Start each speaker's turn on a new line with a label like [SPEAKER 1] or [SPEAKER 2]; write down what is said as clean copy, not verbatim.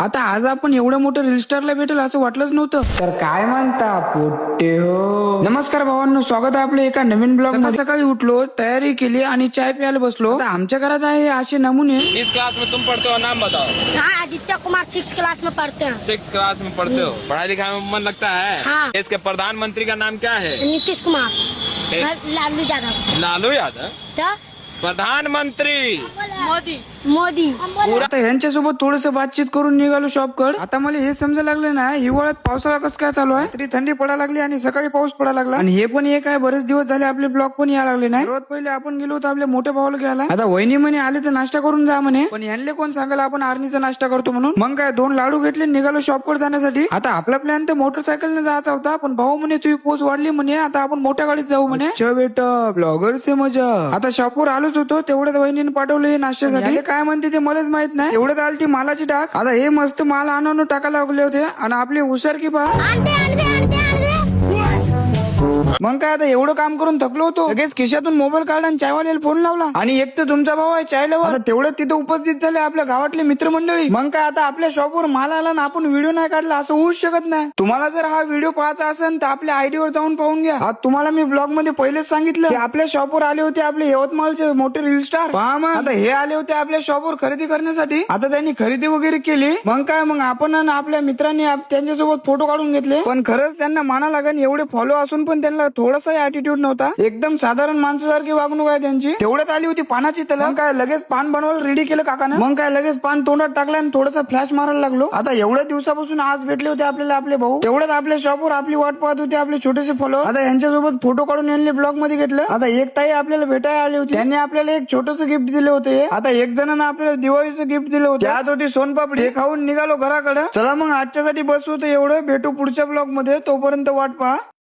[SPEAKER 1] आता आज आपण एवढ्या मोठ्या रील स्टारला भेटेल असं वाटलंच नव्हतं. तर काय म्हणता पोट्टे हो. नमस्कार भावांनो, स्वागत आहे आपल्या एका नवीन ब्लॉग मध्ये. सकाळी उठलो, तयारी केली आणि चाय प्यायला बसलो. आता आमच्या घरात आहे असे नमुने.
[SPEAKER 2] किस क्लास में तुम पढ़ते हो, नाम बताओ।
[SPEAKER 3] हाँ, आदित्य कुमार 6 क्लास में पढ़ते हैं।
[SPEAKER 2] 6 क्लास में पढ़ते हो, पढ़ाई लिखाई में मन लगता है।
[SPEAKER 3] हाँ।
[SPEAKER 2] देश के प्रधानमंत्री का नाम क्या है?
[SPEAKER 3] नीतीश कुमार,
[SPEAKER 2] ए?
[SPEAKER 3] लालू यादव,
[SPEAKER 2] लालू यादव।
[SPEAKER 3] तो
[SPEAKER 2] प्रधानमंत्री
[SPEAKER 3] मोदी।
[SPEAKER 1] आता यांच्यासोबत थोडस बातचीत करून निघालो शॉपकड. आता मला हे समजायला लागलं ना, हिवाळ्यात पावसाळा कसं काय चालू आहे. तरी थंडी पडायला लागली आणि सकाळी पाऊस पडायला लागला. आणि हे पण एक आहे, बरेच दिवस झाले आपले ब्लॉग पण यायला लागले नाही. सर्वात पहिले आपण गेलो होतो आपल्या मोठ्या भावाला घ्यायला. आता वहिनी म्हणे आले तर नाश्ता करून जा म्हणे, पण यांना कोण सांगायला आपण आर्नीचा नाश्ता करतो म्हणून. मग काय 2 लाडू घेतले, निघालो शॉपकडे जाण्यासाठी. आता आपला प्लॅन तर मोटरसायकलने जायचा होता, पण भाऊ म्हणे तुझी पोच वाढली म्हणे, आता आपण मोठ्या गाडीत जाऊ म्हणे. बेटा ब्लॉगर से मजा. आता शॉपवर आलोच होतो, तेवढ्यात वहिनीने पाठवलं हे नाश्त्यासाठी. काय म्हणते ते मलाच माहित नाही. एवढ्यात आली ती मालाची टाक. आता हे मस्त माल आणून टाकायला लागले होते आणि आपले हुशार की पहा. मग काय आता एवढं काम करून थकलो होतो, लगेच खिशातून मोबाईल काढला आणि चायवाल्याला फोन लावला. आणि एक तर तुमचा भाऊ आहे चाय लवर. आता तेवढ्यात तिथे उपस्थित झाले आपल्या गावातले मित्रमंडळी. मग काय आता आपल्या शॉपवर माल आला ना आपण व्हिडिओ नाही काढला असं होऊच शकत नाही. तुम्हाला जर हा व्हिडिओ पाहायचा असेल तर आपल्या आयडी वर जाऊन पाहून घ्या. आज तुम्हाला मी ब्लॉग मध्ये पहिलेच सांगितलं की आपल्या शॉपवर आले होते आपले यवतमाळचे मोठे रील स्टार. पहा मग आता हे आले होते आपल्या शॉपवर खरेदी करण्यासाठी. आता त्यांनी खरेदी वगैरे केली. मग काय मग आपण आणि आपल्या मित्रांनी त्यांच्यासोबत फोटो काढून घेतले. पण खरंच त्यांना माना लागेल, एवढे फॉलो असून पण त्यांना थोडासा ऍटिट्यूड नव्हता. एकदम साधारण माणसासारखी वागणूक आहे त्यांची. तेवढ्यात आली होती पानाची तलम. मग काय लगेच पान बनवायला रेडी केलं काकानं. मग काय लगेच पान तोंडात टाकलं आणि थोडासा फ्लॅश मारायला लागलो. आता एवढ्या दिवसापासून आज भेटले होते आपल्याला आपले भाऊ. तेवढ्यात आपल्या शॉपवर आपली वाट पाहत होते आपले छोटेसे फॉलो. आता यांच्यासोबत फोटो काढून यांनी ब्लॉग मध्ये घेतलं. आता एक ताई आपल्याला भेटायला आली होती, त्यांनी आपल्याला एक छोटस गिफ्ट दिले होते. आता एक जणांना आपल्याला दिवाळीचं गिफ्ट दिलं होतं, त्यात होती सोनपापडी. खाऊन निघालो घराकडे. चला मग आजच्यासाठी बस होतं एवढं. भेटू पुढच्या ब्लॉग मध्ये, तोपर्यंत वाट पहा.